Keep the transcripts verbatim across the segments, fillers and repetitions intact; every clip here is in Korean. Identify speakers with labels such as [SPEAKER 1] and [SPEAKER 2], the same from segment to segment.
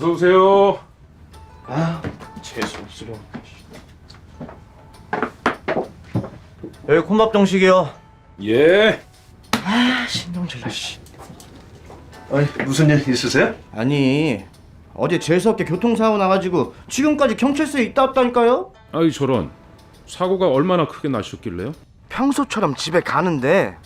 [SPEAKER 1] 어서 오세요.
[SPEAKER 2] 아, 재수 없으려. 여기 콩밥 정식이요.
[SPEAKER 1] 예.
[SPEAKER 2] 아, 신동철 씨.
[SPEAKER 3] 아니, 무슨 일 있으세요?
[SPEAKER 2] 아니, 어제 재수없게 교통사고 나가지고 지금까지 경찰서에 있다 왔다니까요?
[SPEAKER 1] 아이 저런. 사고가 얼마나 크게 나셨길래요?
[SPEAKER 2] 평소처럼 집에 가는데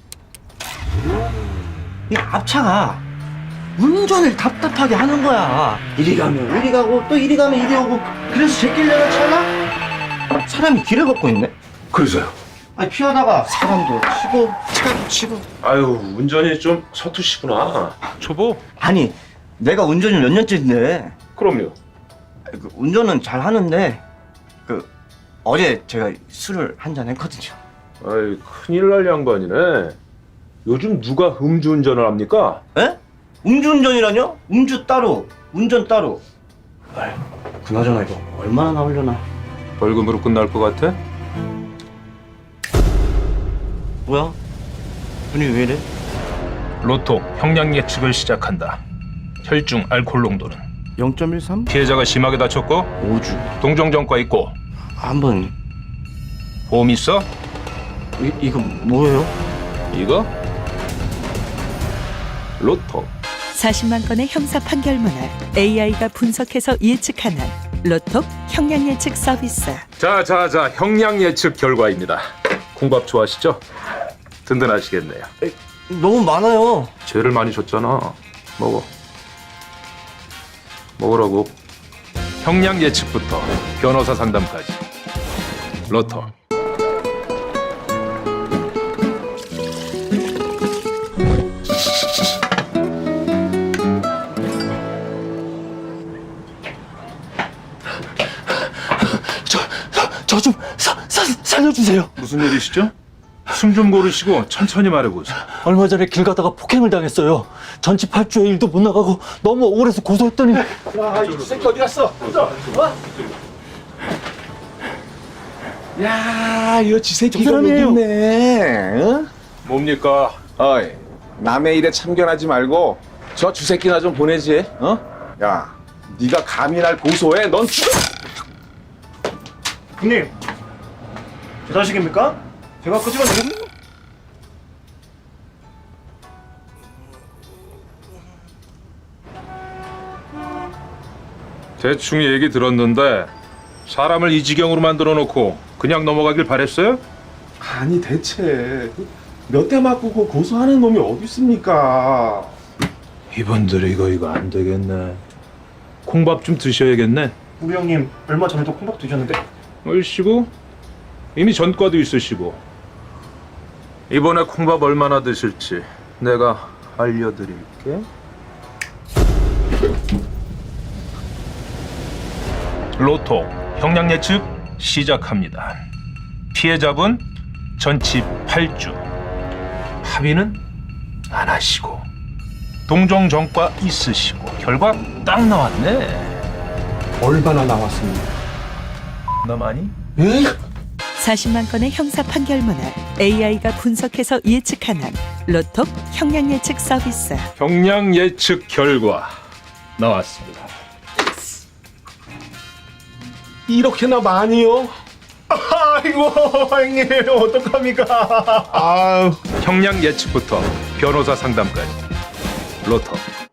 [SPEAKER 2] 이 앞차가 운전을 답답하게 하는 거야. 이리 가면 이리 가고 또 이리 가면 이리 오고. 그래서 제길 내려차나 사람이 길을 걷고 있네.
[SPEAKER 3] 그래서요?
[SPEAKER 2] 아니 피하다가 사람도 치고 차도 치고.
[SPEAKER 3] 아유, 운전이 좀 서투시구나.
[SPEAKER 1] 초보?
[SPEAKER 2] 아니 내가 운전을 몇 년째인데
[SPEAKER 3] 그럼요.
[SPEAKER 2] 그 운전은 잘 하는데 그 어제 제가 술을 한 잔 했거든요.
[SPEAKER 3] 아이, 큰일 날 양반이네. 요즘 누가 음주운전을 합니까?
[SPEAKER 2] 에? 음주운전이라뇨? 음주 따로 운전 따로. 아유 그나저나 이거 얼마나 나오려나.
[SPEAKER 1] 벌금으로 끝날 것 같아?
[SPEAKER 2] 뭐야? 분위기 왜 이래?
[SPEAKER 4] 로또 형량 예측을 시작한다. 혈중 알코올 농도는
[SPEAKER 2] 영 점 일삼?
[SPEAKER 4] 피해자가 심하게 다쳤고
[SPEAKER 2] 오주.
[SPEAKER 4] 동종 전과 있고
[SPEAKER 2] 한번
[SPEAKER 4] 보험 있어?
[SPEAKER 2] 이, 이거 뭐예요?
[SPEAKER 4] 이거? 로또.
[SPEAKER 5] 사십만 건의 형사 판결문을 에이아이가 분석해서 예측하는 로톡 형량 예측 서비스.
[SPEAKER 1] 자자자 형량 예측 결과입니다. 콩밥 좋아하시죠? 든든하시겠네요.
[SPEAKER 2] 너무 많아요.
[SPEAKER 1] 죄를 많이 줬잖아. 먹어. 먹으라고. 형량 예측부터 변호사 상담까지. 로또.
[SPEAKER 6] 저 좀 살려주세요.
[SPEAKER 1] 무슨 일이시죠? 숨 좀 고르시고 천천히 말해보세요.
[SPEAKER 6] 얼마 전에 길 가다가 폭행을 당했어요. 전치 팔 주에 일도 못 나가고 너무 억울해서 고소했더니.
[SPEAKER 3] 야, 이 새끼 어디 갔어? 어? 야, 이거 지새끼가 여기 있네. 어?
[SPEAKER 1] 뭡니까?
[SPEAKER 7] 어이, 남의 일에 참견하지 말고 저 주새끼나 좀 보내지. 어? 야, 네가 감히 날 고소해? 넌 죽어.
[SPEAKER 2] 형님, 제 자식입니까? 제가 끄집어내겠...
[SPEAKER 1] 대충 얘기 들었는데 사람을 이 지경으로 만들어 놓고 그냥 넘어가길 바랬어요?
[SPEAKER 7] 아니 대체 몇 대 맞고 그 고소하는 놈이 어디 있습니까?
[SPEAKER 1] 이분들 이거 이거 안 되겠네. 콩밥 좀 드셔야겠네.
[SPEAKER 2] 우리 형님 얼마 전에도 콩밥 드셨는데.
[SPEAKER 1] 얼씨구 이미 전과도 있으시고. 이번에 콩밥 얼마나 드실지 내가 알려드릴게.
[SPEAKER 4] 로또 형량 예측 시작합니다. 피해자분 전치 팔 주, 합의는 안 하시고 동종 전과 있으시고 결과 딱 나왔네.
[SPEAKER 7] 얼마나 나왔습니까?
[SPEAKER 4] 나 많이?
[SPEAKER 5] 사십만 건의 형사 판결문을 에이아이가 분석해서 예측하는 로톡 형량 예측 서비스.
[SPEAKER 1] 형량 예측 결과 나왔습니다.
[SPEAKER 7] 이렇게나 많이요? 아이고 형님 어떡합니까? 아유.
[SPEAKER 1] 형량 예측부터 변호사 상담까지 로또